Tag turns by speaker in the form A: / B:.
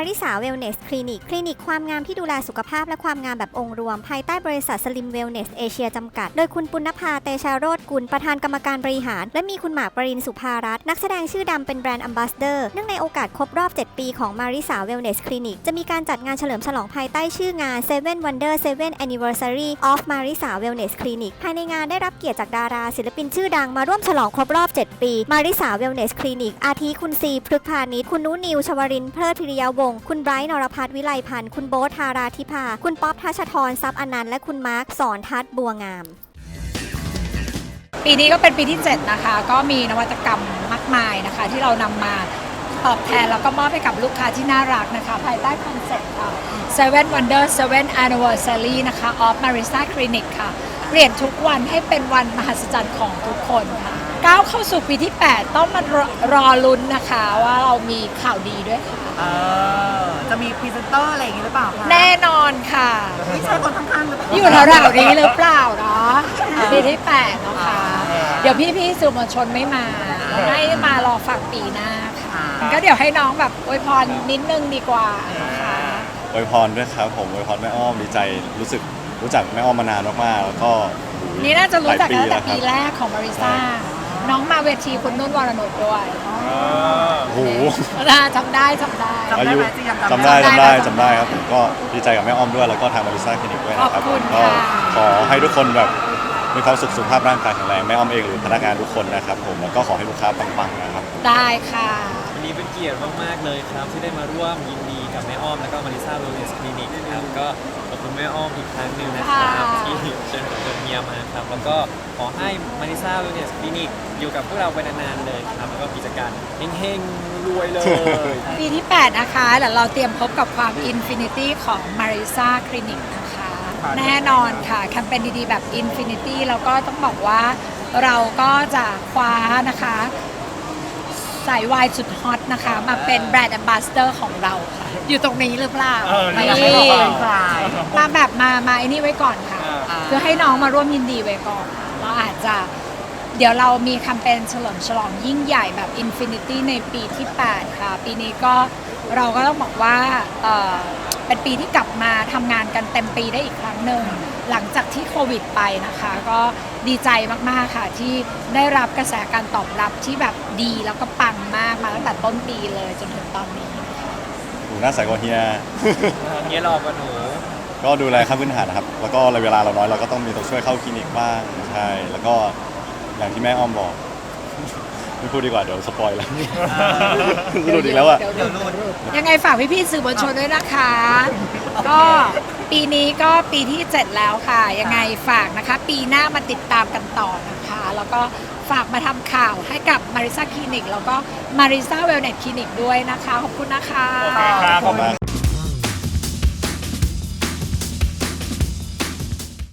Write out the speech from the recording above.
A: ริสาเวลเนสคลินิกความงามที่ดูแลสุขภาพและความงามแบบองค์รวมภายใต้บริษัทสลิมเวลเนสเอเชียจำกัดโดยคุณปุณณภาเตชะโรจน์กุลประธานกรรมการบริหารและมีคุณหมากปรินสุภารัตน์นักแสดงชื่อดังเป็นแบรนด์แอมบาสเดอร์เนื่องในโอกาสครบรอบ7 ปีของมาริสาเวลเนสคลินิกจะมีการจัดงานเฉลิมฉลองภายใต้ชื่องาน Seven Wonder 7 Anniversary of Marisa Wellness Clinic ภายในงานได้รับเกียรติจากดาราศิลปินชื่อดังมาร่วมฉลองครบรอบ7 ปีมาริสาเวลเนสคลินิกอาทิคุณซีพฤกษ์พานิชคุณนุนิวชวรินทร์เพลิดพิริยวงศ์คุณไบรท์นรพัฒน์วิไลพันธ์คุณโบ๊ทธาราธิภาคุณป๊อปทัชธรทรัพย์อนันต์และคุณมาร์คสอนทัศน์บัวงาม
B: ปีนี้ก็เป็นปีที่7นะคะก็มีนวัตกรรมมากมายนะคะที่เรานำมาตอบแทนแล้วก็มอบให้กับลูกค้าที่น่ารักนะคะภายใต้คอนเซ็ปต์Seven Wonder 7 Anniversary นะคะ of Marisa Clinic ค่ะเปลี่ยนทุกวันให้เป็นวันมหัศจรรย์ของทุกคนค่ะก้าวเข้าสู่ปีที่8ต้องมารอลุ้นนะคะว่าเรามีข่าวดีด้วยค่ะ
C: จะมีพรีเซนเตอร์อะไรอย่างนี้หรือเปล่าคะ
B: แน่นอนค่ะ
C: ไม่ใช่คนข้างๆหรือเปล่า
B: อยู่แถวๆนี้หรือเปล่าเนาะปีที่8เนาะค่ะเดี๋ยวพี่ๆสื่อมวลชนไม่มาให้มารอฟังปีหน้าค่ะก็เดี๋ยวให้น้องแบบอวยพรนิดนึงดีกว่านะคะ
D: อวยพรด้วยครับผมอวยพรแม่อ้อมดีใจรู้จักแม่อ้อมมานานมากๆแล้วก็
B: นี่น่าจะรู้จักกันตั้งแต่ปีแรกของมาริซ่าน้องมาเวทีคุณนุ่นวรนุชด้วย
D: โอ้โห
B: จำได้
D: อายุจำได้ครับผมก็ดีใจกับแม่อ้อมด้วยแล้วก็ทางมาริซ่าคลินิกด้วยนะครับก็ขอให้ทุกคนแบบมีความสุขภาพร่างกายแข็งแรงแม่อ้อมเองหรือพนักงานทุกคนนะครับผมแล้วก็ขอให้ลูกค้าปังๆนะครับ
B: ได้ค่ะ
E: วันนี้เป็นเกียรติมากๆเลยครับที่ได้มาร่วมยินดีกับแม่อ้อมแล้วก็มาริซ่าเวลเนสคลินิกครับก็ขอบคุณแม่อ้อมอีกครั้งหนึ่งนะครับที่เชิญเมียมาครับแล้วก็ขอให้มาริซ่าเวลเนสคลินิกอยู่กับพวกเราไปนานๆเลยครับแล้วก็กิจการเฮงๆรวยเลย
B: ปีที่8นะคะเดี๋ยวเราเตรียมพบกับความอินฟินิตี้ของมาริซ่าคลินิกนะคะแน่นอนค่ะแคมเปญดีๆแบบอินฟินิตี้แล้วก็ต้องบอกว่าเราก็จะคว้านะคะสายวายสุดฮอตนะคะมาเป็นแบรนด์แอมบาสเดอร์ของเราค่ะอยู่ตรงนี้หรือเปล่านี่มาแบบมาไอ้นี่ไว้ก่อนค่ะเพื่อให้น้องมาร่วมยินดีไว้ก่อนเราอาจจะเดี๋ยวเรามีแคมเปญเฉลิมฉลองยิ่งใหญ่แบบอินฟินิตี้ในปีที่8ค่ะปีนี้ก็เราก็ต้องบอกว่าเป็นปีที่กลับมาทำงานกันเต็มปีได้อีกครั้งหนึ่งหลังจากที่โควิดไปนะคะก็ดีใจมากๆค่ะที่ได้รับกระแสการตอบรับที่แบบดีแล้วก็ปังมากมาตั้งแต่ต้นปีเลยจนถึงตอนนี้
D: หนูหน้าใสกว่าเฮีย
E: เฮียหล่อกว่าหนู
D: ก็ดูแลขั้นพื้นฐานนะครับแล้วก็เวลาเราน้อยเราก็ต้องมีตัวช่วยเข้าคลินิกบ้างใช่แล้วก็อย่างที่แม่อ้อมบอกไม่พูดดีกว่าเดี๋ยวสปอยแล้วหลุดอีกแล้วอะ
B: ยังไงฝากพี่ๆสื่อมวลชนด้วยนะคะก็ปีนี้ก็ปีที่7แล้วค่ะยังไงฝากนะคะปีหน้ามาติดตามกันต่อนะคะแล้วก็ฝากมาทำข่าวให้กับมาริซ่าคลินิกแล้วก็มาริซ่าเวลเนสคลินิกด้วยนะคะขอบคุณนะคะ
D: ขอบคุณมาก